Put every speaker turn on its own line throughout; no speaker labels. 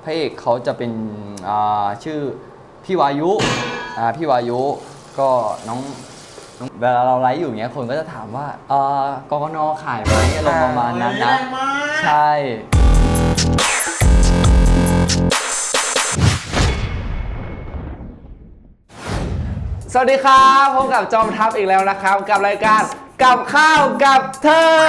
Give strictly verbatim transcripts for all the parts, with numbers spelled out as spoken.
ระเอกเขาจะเป็นอ่าชื่อพี่วายุอ่าพี่วายุก็น้องน้องเวลาเราไลฟ์อยู่เงี้ยคนก็จะถามว่าเออกกนขายไหมอารมณ์ประมาณนั้นนะใช่
สวัสดีครับพบกับจอมทัพอีกแล้วนะครับกับรายการกับข้าวกับเธอ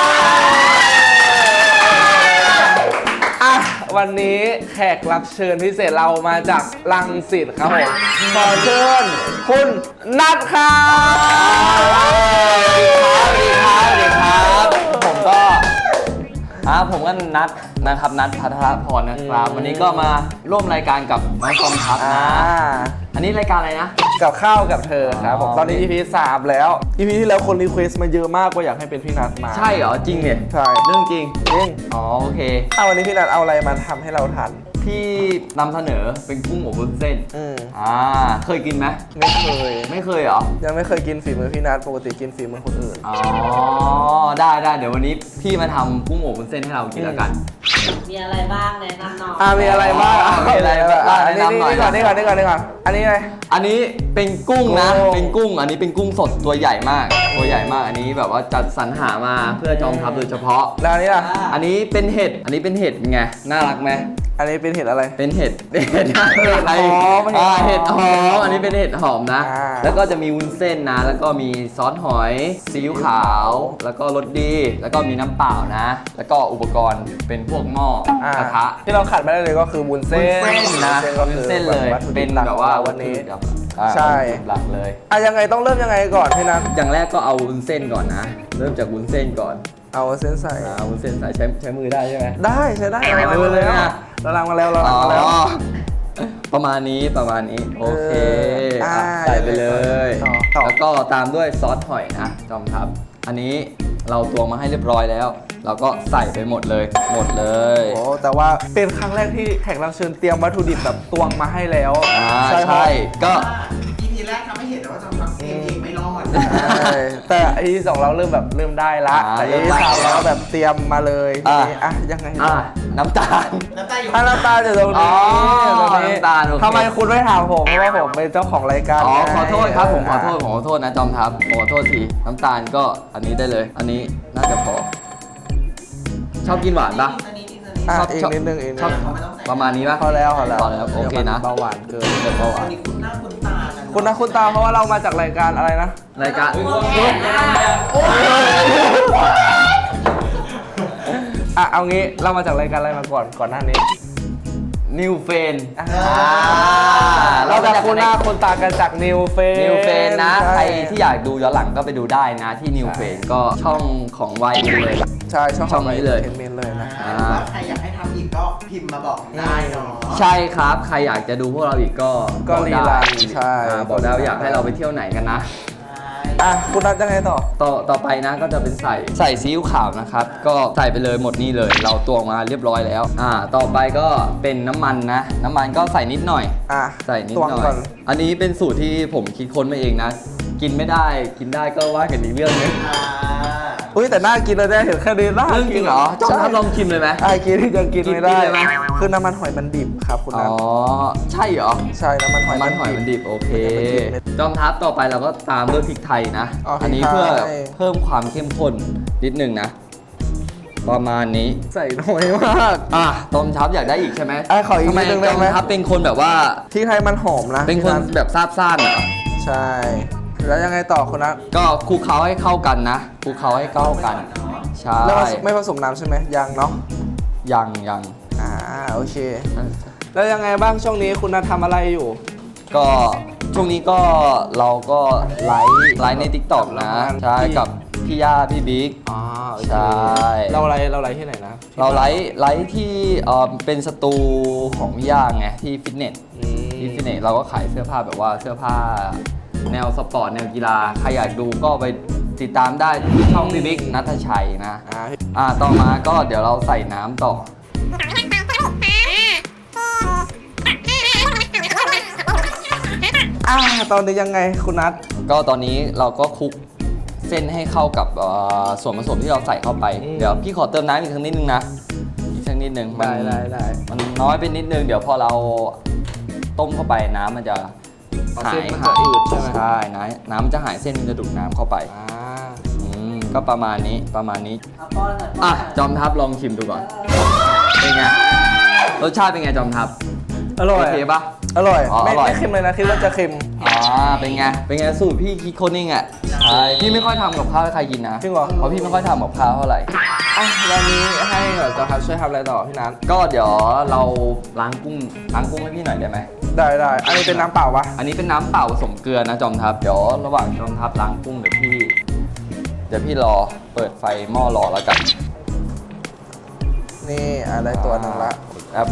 อ่ะวันนี้แขกรับเชิญพิเศษเรามาจากรังสิตครับผมขอเชิญคุณนัทครับ
สวัสดีครับสวัสดีครับผมก็อ่าผมก็นัดนะครับนัดพัทรพรนะครับวันนี้ก็มาร่วมรายการกับน้องจอมทัพนะอันนี้รายการอะไรนะ
กับข้าวกับเธอครับผมตอนนี้ อี พี สามแล้ว อี พี ที่แล้วคนรีเควสต์มาเยอะมากว่าอยากให้เป็นพี่นัทมา
ใช่เหรอจริงเนี่ย
ใช่
เรื่องจริง
จริง
อ๋อโอเค
เอาวันนี้พี่นัทเอาอะไรมาทำให้เราทาน
พี่นำเสนอเป็นกุ้งอบวุ้นเส้น
อืม
อ่าเคยกินไหม
ไม่เคย
ไม่เคยเหรอ
ยังไม่เคยกินฝีมือพี่นัทปกติกินฝีมือคนอื่น
อ๋อได้ได้เดี๋ยววันนี้พี่มาทำกุ้งอบวุ้นเส้นให้เรากินแล้วกัน
มีอะไรบ้างแนะนำหน่อย
อ่ามีอะไรบ้าง
มีอะไรบ้าง
อันนี้นี่ก่อนนี่ก่อนนี่ก่อนนี่ก่อนอันนี้อะไร
อันนี้เป็นกุ้งนะเป็นกุ้งอันนี้เป็นกุ้งสดตัวใหญ่มากตัวใหญ่มากอันนี้แบบว่าจัดสรรหามาเพื่อจอมทัพโดยเฉพาะ
แล้วอันนี้ล่ะ
อันนี้เป็นเห็ดอันนี้เป็นเห็ดไงน่ารักไหม
อันนี้เป็นเห็ดอะไร
เป็นเห็ดเห็ดอะไรอ่าเห็ดหอมอันนี้เป็นเห็ดหอมนะแล้วก็จะมีวุ้นเส้นนะแล้วก็มีซอสหอยซีอิ๊วขาวแล้วก็รสดีแล้วก็มีน้ำเปล่านะแล้วก็อุปกรณ์เป็นพวกหม้อกระทะ
ที่เราขาดไม่ได้เลยก็คือวุ้นเส้น
นะวุ้นเส้นเลยเป็นแบบว่า
วันนี้
ใช่หลักเลย
อ่ะยังไงต้องเริ่มยังไงก่อนพี่นัท
อย่างแรกก็เอาวุ้นเส้นก่อนนะเริ่มจากวุ้นเส้นก่อน
เอาเส้นใส่
เอาวุ้นเส้นใส่ใช้ใช้มือได้ใช่ไหม
ได้ใช้ได้เราล้างมาเลยนะเราล้างมาแล้วเราล้างมาแล้ว
ประมาณนี้ประมาณนี้โอเคใส่ไปเลยแล้วก็ตามด้วยซอสหอยนะจอมทัพอันนี้เราตวงมาให้เรียบร้อยแล้วเราก็ใส่ไปหมดเลยหมดเลย
โอ้แต่ว่าเป็นครั้งแรกที่แขกรับเชิญเตรียมวัตถุดิบแบบตวงมาให้แล้ว
ใช่ใช่ก็
อี พี แรกทำให้เห็นว่าจอมทัพเองไม่รอด
แต่อี พี สองเราเริ่มแบบเริ่มได้ละแต่ อี พี สามเราแบบเตรียมมาเลยอ่ะยังไง
น้ำตาล
น้ำตาลอยู่
น้ำตาลอยู่ตรงนี้
น้ำตาล
ทำไมคุณไม่ถามผมเพราะว่าผมเป็นเจ้าของรายการ
อ๋อขอโทษครับผมขอโทษผมขอโทษนะจอมทัพขอโทษทีน้ำตาลก็อันนี้ได้เลยอันนี้น่าจะพอชอบกินหวานปะ
ชอบอีกนิดนึงอีกนิด
ประมาณนี้ปะ
พอแล้วพอแล้ว
พอแล้วโอเคนะ
เบาหวานเกิน
เบาหวาน
คุณหน้าคุณตา
คุณหน้าคุณตาเพราะว่าเรามาจากรายการอะไรนะ
รายการ
อ่ะเอางี้เรามาจากรายการอะไรมาก่อนก่อนหน้านี้
นิวเฟน
เราจะคุณหน้าคนตากันจากนิวเฟน
นิวเฟนนะใครที่อยากดูย้อนหลังก็ไปดูได้นะที่นิวเฟนก็ช่องของวายเลย
ใช่ช่อง
นี้เลย
เมนเลยนะ
ใครอยากให้ทำอีกก็พิมพ์มาบอกได้เนาะ
ใช่ครับใครอยากจะดูพวกเราอีกก็
ก็รีไลน์ใช่
บอกได้อยากให้เราไปเที่ยวไหนกันนะ
อ่ะคุณนัทยังไงต่อ
ต่อต่อไปนะก็จะเป็นใส่ใส่ซีอิ๊วขาวนะครับก็ใส่ไปเลยหมดนี่เลยเราตวงมาเรียบร้อยแล้วอ่าต่อไปก็เป็นน้ำมันนะน้ำมันก็ใส่นิดหน่อย
อ่ะ
ใส่นิดหน่อยอันนี้เป็นสูตรที่ผมคิดค้นมาเองนะกินไม่ได้กินได้ก็ว่ากันอีกเรื่องนึง
อุ้ยแต่น่ากินเลยได้เห็นแค่นี้น่า
กินเหรอจอมทัพลองชิมเลยไหม
ไอ้กินที่ยังกินไม่ได้คือน้ำมันหอยมันดิบครับคุณนัท
อ๋อใช่เหรอ
ใช่น้ำมันหอย
มันหอยมันดิบโอเคจอมทัพต่อไปเราก็ตามด้วยพริกไทยนะอันนี้เพื่อเพิ่มความเข้มข้นนิดนึงนะประมาณนี้
ใส่น้อยมาก
อ่ะจอมทัพอยากได้อีกใช่ไหม
ไอ้ขออีกนิดนึงได้ไหม
จอมทัพเป็นคนแบบว่า
พริกไทยมันหอมนะ
เป็นคนแบบซาบซ่านเหรอ
ใช่แล้วยังไงต่อคุณนัท
ก็คลุกเคล้าให้เข้ากันนะคลุกเคล้าให้เข้ากันใช่
แล้วไม่ผสมน้ำใช่ไหมยังเนาะ
ยังยัง
อ่าโอเคแล้วยังไงบ้างช่วงนี้คุณนัททำอะไรอยู่
ก็ช่วงนี้ก็เราก็ไลฟ์ไลฟ์ใน ติ๊กต็อก นะใช่กับพี่ย่าพี่บิ๊ก
อ๋อ
ใช่
เราไลฟ์เราไลฟ์ที่ไหนนะ
เราไลฟ์ไลฟ์ที่เอ่อเป็นสตูของพี่ย่าไงที่ฟิตเนสที่ฟิตเนสเราก็ขายเสื้อผ้าแบบว่าเสื้อผ้าแนวสปอร์ตแนวกีฬาใครอยากดูก็ไปติดตามได้ที่ช่องพี่บิ๊กณัฐชัยนะอ่าต่อมาก็เดี๋ยวเราใส่น้ำต่อ
อ่าตอนนี้ยังไงคุณนัท
ก็ตอนนี้เราก็คลุกเส้นให้เข้ากับส่วนผสมที่เราใส่เข้าไปเดี๋ยวพี่ขอเติมน้ำอีกสักนิดนึงนะอีกสักนิดนึงมัน
ได้ได้ได้
มันน้อยไปนิดนึงเดี๋ยวพอเราต้มเข้าไปน้ำมันจะ
อ๋อ
หา
เส้
ย
นมันจะอืดใช่ไหม
ใช่น้ำน้ำมันจะหายเส้นมันจะดูดน้ำเข้าไป
อ่า
อืมก็ประมาณนี้ประมาณนี้
เอาป้อนหน่อยป้
อ่ะ
อนหน่อย
จอมทัพลองชิมดูก่อนเป็นไงรสชาติเป็นไงจอมทัพ
อร่อย
โอเคปะ
อร่อย
อ๋อ
ไม่
อร่อย
ไม่เค็มเลยนะคิดว่าจะเค็ม
อ่าเป็นไงเป็นไงสูตรพี่คิดคนนิ่งอ่ะใช่พี่ไม่ค่อยทำกับข้าวให้ใครกินนะ
จริงเหรอ
เพราะพี่ไม่ค่อยทำกับข้าวเท่าไหร่
อ่ะวันนี้ให้เดี๋ยวจะครับช่วยทำอะไรต่อพี่นัท
ก็เดี๋ยวเราล้างกุ้งล้างกุ้งให้พี่หน่อยได้ไหม
ได้ได้อันนี้เป็นน้ำเปล่าปะ
อันนี้เป็นน้ำเปล่าผสมเกลือนะจอมทัพเดี๋ยวระหว่างจอมทัพล้างกุ้งเดี๋ยวพี่เดี๋ยวพี่รอเปิดไฟหม้อรอแล้วกัน
นี่อะไรตัวหนึ่งละ
ครับ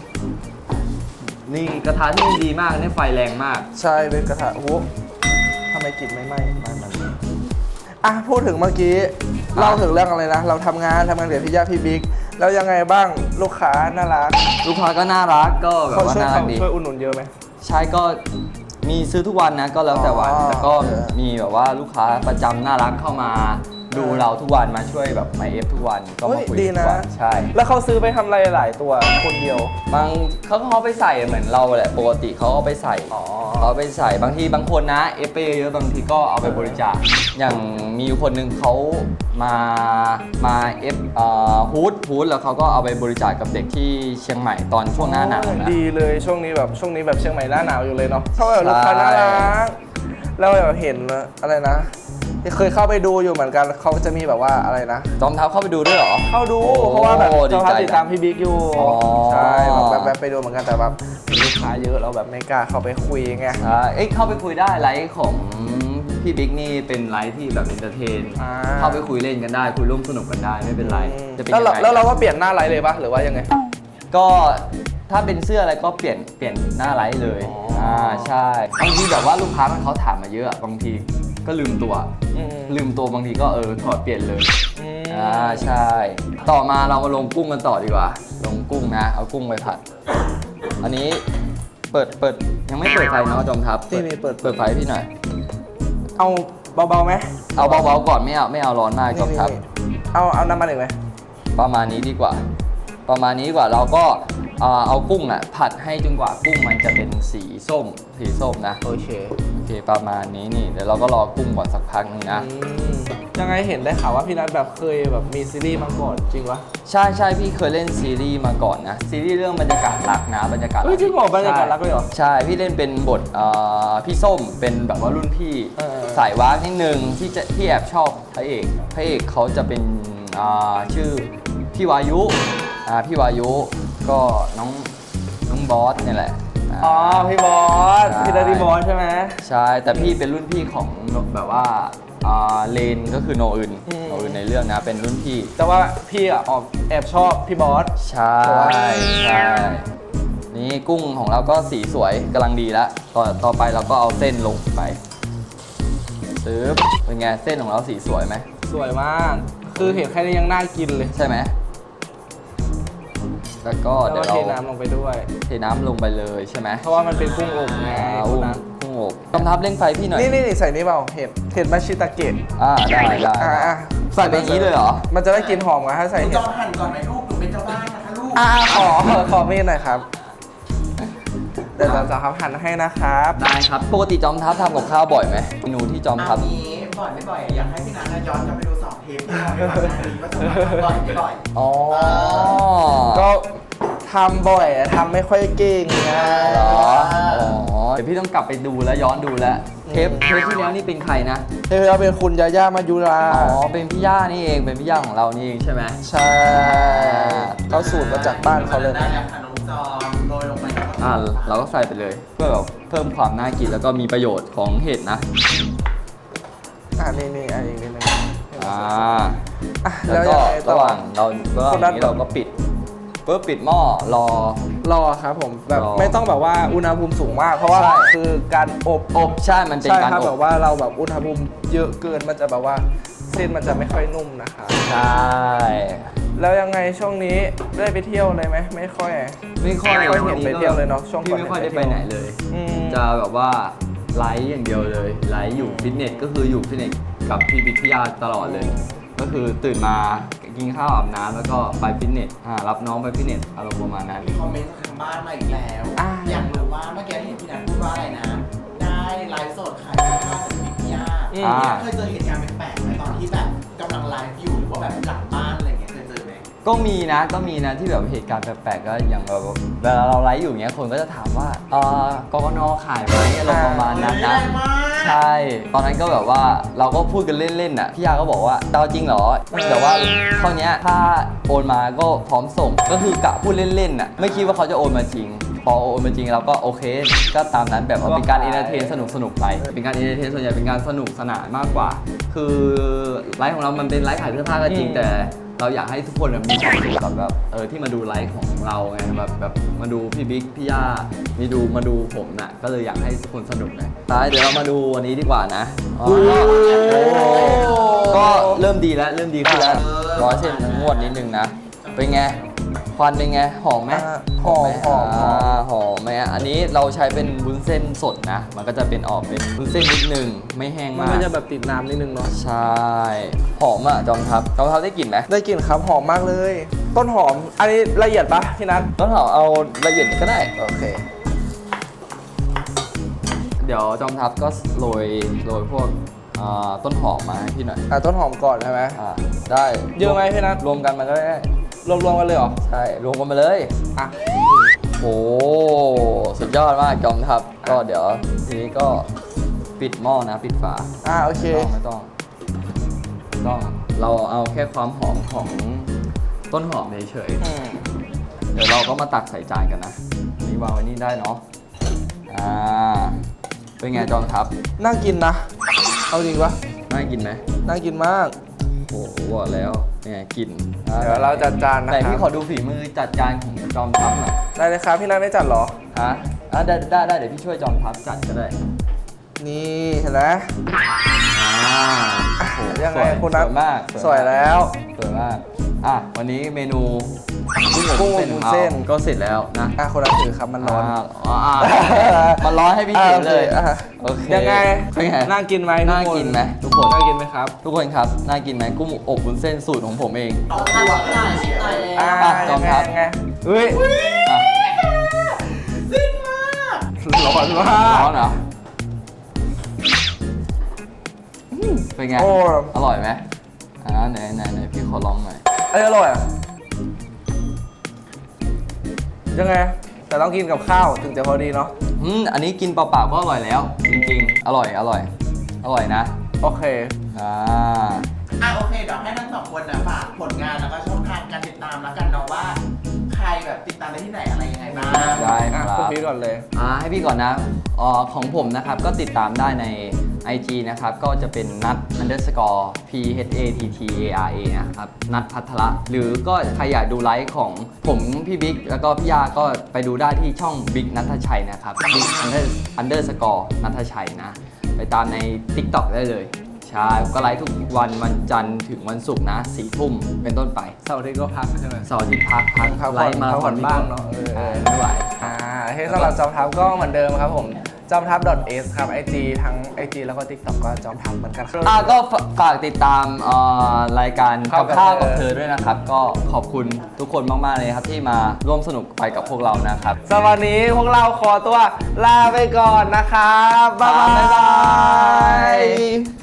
นี่กระทะที่ดีมากนี่ไฟแรงมาก
ใช่เป็นกระทะโอ้โหทำไมกลิ่นไม่ไหม้มันมันอ่ะพูดถึงเมื่อกี้เล่าถึงเรื่องอะไรนะ เราทำงานทำงานเดี๋ยวพี่ย่าพี่บิ๊กแล้วยังไงบ้างลูกค้าน่ารัก
ลูกค้าก็น่ารักก็แบบ
เขา
ว่า
ช่วย
น่ารักดี
ช่วยอุดหนุนเยอะไหม
ใช่ก็มีซื้อทุกวันนะก็แล้วแต่วัน
อ๋อ
แต่ก็
เออ
มีแบบว่าลูกค้าประจำน่ารักเข้ามาดูเราทุกวันมาช่วยแบบมาเอฟทุกวันก็
เฮ้
มาย คุย
ดี
ทุ
นะ
กวันใช่
แล้วเขาซื้อไปทำอะไรหลายตัวคนเดียว
บางเขาก็เขาไปใส่เหมือนเราแหละปกติเขาเอาไปใส่
อ๋อ
เขาเอาไปใส่บางทีบางคนนะเอฟไปเยอะๆบางทีก็เอาไปบริจาคอย่างมีอยู่คนหนึ่งเขามามาเอฟฮูดฮูดแล้วเขาก็เอาไปบริจาคกับเด็กที่เชียงใหม่ตอนช่วงหน้าหนาวนะ
ดีเลยช่วงนี้แบบช่วงนี้แบบเชียงใหม่หน้าหนาวอยู่เลยเนาะเขาแบบลูกค้า
ใช่
น่ารักแล้วแบบเห็นอะไรนะเคยเข้าไปดูอยู่เหมือนกันเขาจะมีแบบว่าอะไรนะ
จอมทัพเข้าไปดูด้วยเหรอ
เข้าดู
โอ้
เพราะว่าแบบ
ดี
เจ้า
ใจ
ภาพติดตามพี่บิ๊กอยู่
อ๋อ
ใช่แบบแบบไปดูเหมือนกันแต่แบบมีลูกค้าเยอะเราแบบไม่กล้าเข้าไปคุยไง
ใช่เอ้ยเข้าไปคุยได้ไลฟ์ของพี่บิ๊กนี่เป็นไลฟ์ที่แบบเอนเตอร์เทน
อ่า
เข้าไปคุยเล่นกันได้ คุยร่วมสนุกกันได้ไม่เป็นไรจะเป็น
แล้ว
ยัง
เรา
ไง
แล้วเราก็เปลี่ยนหน้าไลฟ์เลยปะหรือว่ายังไง
ก็ถ้าเป็นเสื้ออะไรก็เปลี่ยนเปลี่ยนหน้าไลฟ์เลย
อ๋ออ่
อ่าใช่บางทีแบบว่าลูกค้ามันเขาถามมาเยอะบางทีก็ลืมตัว
อืม
ลืมตัวบางทีก็เออถอดเปลี่ยนเลย
อืม
อ่าใช่ ต่อมาเรามาลงกุ้งกันต่อดีกว่า ลงกุ้งนะ เอากุ้งไปผัด อันนี้เปิดเปิดยังไม่เปิดไฟเนาะจอมทัพ
นี่นี่เปิด
เปิดไฟให้พี่หน่อย
เอาเบาๆไหม
เอาเบาๆก่อนไม่เอาไม่เอาร้อนมากจอมทัพ
นี่เอาเอาน้ำมันอีกไหม
ประมาณนี้ดีกว่า ประมาณนี้ดีกว่าเราก็เอ่อเอากุ้งอ่ะผัดให้จนกว่ากุ้งมันจะเป็นสีส้ม สีส้มนะ
โอเค
โอเคประมาณนี้นี่เดี๋ยวเราก็รอกุ้งก่อนสักพักนึงนะ
อืมยังไงเห็นได้ข่าวว่าพี่นัทแบบเคยแบบมีซีรีส์มาก่อนจริงวะ
ใช่ใช่พี่เคยเล่นซีรีส์มาก่อนนะ ซีรีส์เรื่องบรรยากาศรักนะบรรยากาศ
เฮ้ยจริงเหรอบรรยากาศรักเลยเหรอ
ใช่พี่เล่นเป็นบทเอ่อพี่ส้มเป็นแบบว่ารุ่นพี่
เออ
สายวากนิดนึงที่จะที่แอบชอบพระเอกพระเอกเขาจะเป็นอ่าชื่อพี่วายุอ่าพี่วายุก็น้องน้องบอสเนี่ยแหละา
อ๋อพี่บอส
ใช่
พี่นัทพี่บอสใช่ไหม
ใช่แต่พี่เป็นรุ่นพี่ของแบบว่าอ่าเลนก็คือโนอึน
อืม
โนอึนในเรื่องนะเป็นรุ่นพี่
แต่ว่าพี่อ่ะออกแอบชอบพี่บอส
ใช่ใช่นี่กุ้งของเราก็สีสวยกำลังดีแล้วต่อต่อไปเราก็เอาเส้นลงไปซื้อเป็นไงเส้นของเราสีสวยไหม
สวยมาก คือเห็นแค่นี้ยังน่ากินเลย
ใช่ไหมแล้วก็
แล้ว
เดี๋ยว
ก็
เรา
เทน้ำลงไปด้วย
เทน้ำลงไปเลยใช่ไหม
เพราะว่ามันเป็นกุ้งอบไง
อ่า
คุ
อุ้
ณ
ม
นัท
กุ้งอบกำทับเร่งไฟพี่หน่อย
นี่นี่นี่ใส่นี่เปล่าเห็ดเห็ดมาชิตาเกะ
อ่าได้ได้
อ่าอ่ะ
ใส่ไปอย่างนี้เลยเหรอ
มันจะได้กลินหอมกว่าถ้าใส่
คุณ
เห็
จ
ด
อมหั่นก่อนไหมลูกหนูเป็นเจ้าบ้านนะคะลูก
อ่าขอขอมีดหน่อยครับ เดี๋ยวเราจะครับหั่นให้นะครับ
ได้ครับปกติจอมทัพทำกับข้าวบ่อยไหมเมนูที่จอมทั
อั
พ
นนี้บ่อยไม่บ่อยอยากให้พี่นัทย้อนกลับไปดูสองเทปที่เราไปก่อนหน้านี้ว่าจะมาบ่อยไม่บ่อย
อ๋อ
ก็ทำบ่อยอะทำไม่ค่อยเก่งไง
เหรออ๋อเดี๋ยวพี่ต้องกลับไปดูแล้วย้อนดูแล้วเทปเทปที่แล้วนี่เป็นใครนะ
เธอเอาเป็นคุณยาย่ามายุรา
อ๋อ เป็นพี่ย่านี่เอง เป็นพี่ย่าของเรานี่เองใช่ไหม
ใช่เขาสูตรมาจากบ้านเขาเลย
ได้แล้วค่ะน้องจอมโรยลงไปแล้วก็
อ่าเราก็ใส่ไปเลย เพื่อแบบเพิ่มความน่ากินแล้วก็มีประโยชน์ของเห็ดนะ
อ่านี่นี่อันนี้นิดนึง
อ่า
อ่ะ
แล้
แล้ว ว
ก็
ยังไงต่
ระ
อ
หว่างเราระหว่าง
คนละ
นี้เราก็ปิดปุ๊บปิดหม้อรอ
รอครับผมแบบ
รอ
ไม่ต้องแบบว่าอุณหภูมิสูงมาก เพราะว่า
ใช่
คือการอบ
อบใช่ มันเป็น
ใช่
การ
ครับ
อ
แบบ บว่าเราแบบอุณหภูมิเยอะเกินมันจะแบบว่าเส้นมันจะไม่ค่อยนุ่มนะครับ
ใช่
แล้วยังไงช่วงนี้ได้ไปเที่ยวเลยไหมไม่ค่อย
ไม่ค่อย
ไม่ค่อยเห็นไปเที่ยวเลยเนาะช่วง
พี่
ก่อน
ไม่ค่อยได้
เห็น
ไป
ไปเที่ยว
ไหนเลย
อืม
จะแบบว่าไลฟ์อย่างเดียวเลยไลฟ์อยู่ฟิตเนสก็คืออยู่ฟิตเนสกับพี่บิ๊กพี่ยาตลอดเลย ก็คือตื่นมากินข้าวอาบน้ำแล้วก็ไปฟิตเนสอ่ารับน้องไปฟิตเนสอารมณ์ประมาณนั้น
มีคอมเมนต์จากทางบ้านมาอีกแล้ว
อ่ะ
อยากรู้ว่าเมื่อกี้เห็นพี่นัทพูดว่าอะไรนะ ได้ไลฟ์สดขายเสื้อผ้าจากบิ๊กย่า
อืม
พี่นัทเคยเจอเหตุการณ์แปลกๆไหมตอนที่แบบกำลังไลฟ์อยู่หรือว่าแบบหลังบ้านอะไรเงี้ยเคยเจอไหม
ก็มีนะก็มีนะที่แบบเหตุการณ์แปลกๆก็อย่างแบบเวลาเราไลฟ์อยู่อย่างเงี้ยคนก็จะถามว่าเออกกนขายไหมอารมณ์ประมาณนั้นนะ
แรงมาก
ใช่ ตอนนั้นก็แบบว่าเราก็พูดกันเล่นๆอ่ะพี่ยาก็บอกว่าเตาจริงเหรอแต่ว่าเท่านี้ถ้าโอนมาก็พร้อมส่งก็คือกะพูดเล่นๆอ่ะไม่คิดว่าเขาจะโอนมาจริง พอโอนมาจริงเราก็โอเค ก็ตามนั้นแบบว่าเป็นการเอนเตอร์เทนสนุกสนุกๆไปเป็นการเอนเตอร์เทนส่วนใหญ่เป็นการสนุกสนานมากกว่า คือไลฟ์ของเรามันเป็นไลฟ์ขายเสื้อผ้าก็จริงแต่เราอยากให้ทุกคนแบบมีความสุขกับแบบเออที่มาดูไลฟ์ของเราไงแบบแบบมาดูพี่บิ๊กพี่ย่ามีดูมาดูผมน่ะก็เลยอยากให้ทุกคนสนุกไงตายเดี๋ยวเรามาดูวันนี้ดีกว่านะอ๋อก็เริ่มดีแล้วเริ่มดีขึ้นแล้วร้อยเส้นงวดนิดนึงนะเป็นไงควันเป็นไงหอมไหม
หอมหอมหอม
าหอมไหมอ่ะอันนี้เราใช้เป็นวุ้นเส้นสดนะ มันก็จะเป็นออกเป็นวุ้นเส้นนิดนึงไม่แห้ง
มัน
มาก
ก็จะแบบติดน้ำนิดนึงเนาะ
ใช่หอมอ่ะจอมทัพจอมทัพได้กลิ่นไหม
ได้กลิ่นครับหอมมากเลย ต้นหอม อันนี้ละเอียดปะพี่นัท
ต้นหอมเอาละเอียดก็ได้
โอเค
เดี๋ยวจอมทัพก็โรยโรยพวกอ่าต้นหอมมาให้พี่หน่อย
อ่ะต้นหอมก่อนใช่ไหม
อ่าได้
เยอะไหมพี่นัท
รวมกันมันก็ได้
รวมๆกันเลยเหรอ
ใช่รวมกันมาเลย
อ่ะ
โอ้สุดยอดมากจอมทัพก็เดี๋ยวทีนี้ก็ปิดหม้อนะปิดฝา
อ่ะโอเค
ไม่ต้องไม่ต้องต้องเราเอาแค่ความหอมของต้นหอมเฉย
อืม
ๆเดี๋ยวเราก็มาตักใส่จานกันนะอันนี้วางไว้นี่ได้เนาะอ่าเป็นไงจอมทัพ
น่ากินนะ เอาจริงปะ
น่ากินไหม
น่ากินมาก
โอ้โหบอกแล้วเนี่ยกลิ่น
เดี๋ยวเราจัดจานนะ
แต่
ครั
พี่
บ
ขอดูฝีมือจัดจานของจอมทัพหน่อย
ได้เลยครับพี่นัทไม่จัดเหรอ
ฮะอ่ะได้ได้ได้เดี๋ยวพี่ช่วยจอมทัพจัดก็ได้
นี่เห็นไหม
อ่าโอ้โห
ยังไง
สว
คุณนัท
สวยมาก
สวยแล้ว
สวยมากอ่ะวันนี้เมนู
กุ้งอบวุ้นเส้น
ของราก็เสร็จแล้วนะ
อ่ะคนละถือครับมันร้อน
าอ่ามันร้อนให้พี่ถือเลย
อ่ะ
โอเค
ยังไง
เป็นไง
น่ากินไหม
น่า
ทุค
กินไหมทุกคน
น่ากินไหมครับ
ทุกคนครับน่ากินไหมกุ้งอบวุ้นเส้นสูตรของผมเอง
เอา
ทำ
ตัว
หน่อยชิมหน่อยเลย
อ่า
อ่ะจอมทัพ
ยังไงเฮ้ย
อ่ะ
สิ้นมาก
ร้อนมาก
ร้อนเหรออืมเป็นไง
โอ้
อร่อยไหมอ่าไหนไหนไหนพี่ขอลองหน่อย
เอ้ยอร่อยอ่ะยังไง แต่ต้องกินกับข้าวถึงจะพอดีเนาะ
อืมอันนี้กินเปล่าๆก็อร่อยแล้ว จริงๆ อร่อยอร่อย อร่อยนะ
โอเค
อ่า
อ่ะโอเคเดี๋ยวให้ทั้งสองคนนะฝากผลงานแล้วก็ช่องทางการติดตามแล้วกันเนาะว่า ใครแบบติดตามได้ที่ไหนอะไรยังไงบ้าง
ได้ค
อ่ะ
รับ
คุณพีทก่อนเลย
อ่าให้พี่ก่อนนะอ่าของผมนะครับก็ติดตามได้ใน ไอ จี นะครับ ก็จะเป็นนัท underscore p h a t t a r a นะครับนัทพัทระหรือก็ใครอยากดูไลฟ์ของผมพี่บิ๊กแล้วก็พี่ยาก็ไปดูได้ที่ช่องบิ๊กนัทชัยนะครับบิ๊ก underscore นัทชัยนะ ไปตามใน TikTok ได้เลย ใช่ ก็ไลฟ์ทุกวันวันจันทร์ถึงวันศุกร์นะสี่ทุ่มเป็นต้นไป
เสาร์อาทิตย์ก็พักใช่ไหม
เสาร์อาทิตย์พักพัก
พักผ่อน
ไลฟ์มา
พักผ่อน
พี่
บ้างเนอะเออเออ
ไม่ไหว
อ่าให้สำหรับจอมทัพก็เหมือนเดิมครับผมจอมทัพ .s ครับ ไอ จี ทั้ง ไอ จี แล้วก็ TikTok ก็จอมทัพเหมือนกันครับ
อ่ะก็ฝากติดตามเอ่อรายการ
ข้า
กั
ว
บ
กับ
ข้าวกับ
เธอ
เธอด้วยนะครับ ก็ขอบคุณทุกคนมากๆเลยครับที่มาร่วมสนุกไปกับพวกเรานะครับ
สำหรับวันนี้พวกเราขอตัวลาไปก่อนนะครับ บ๊ายบาย
บ๊ายบาย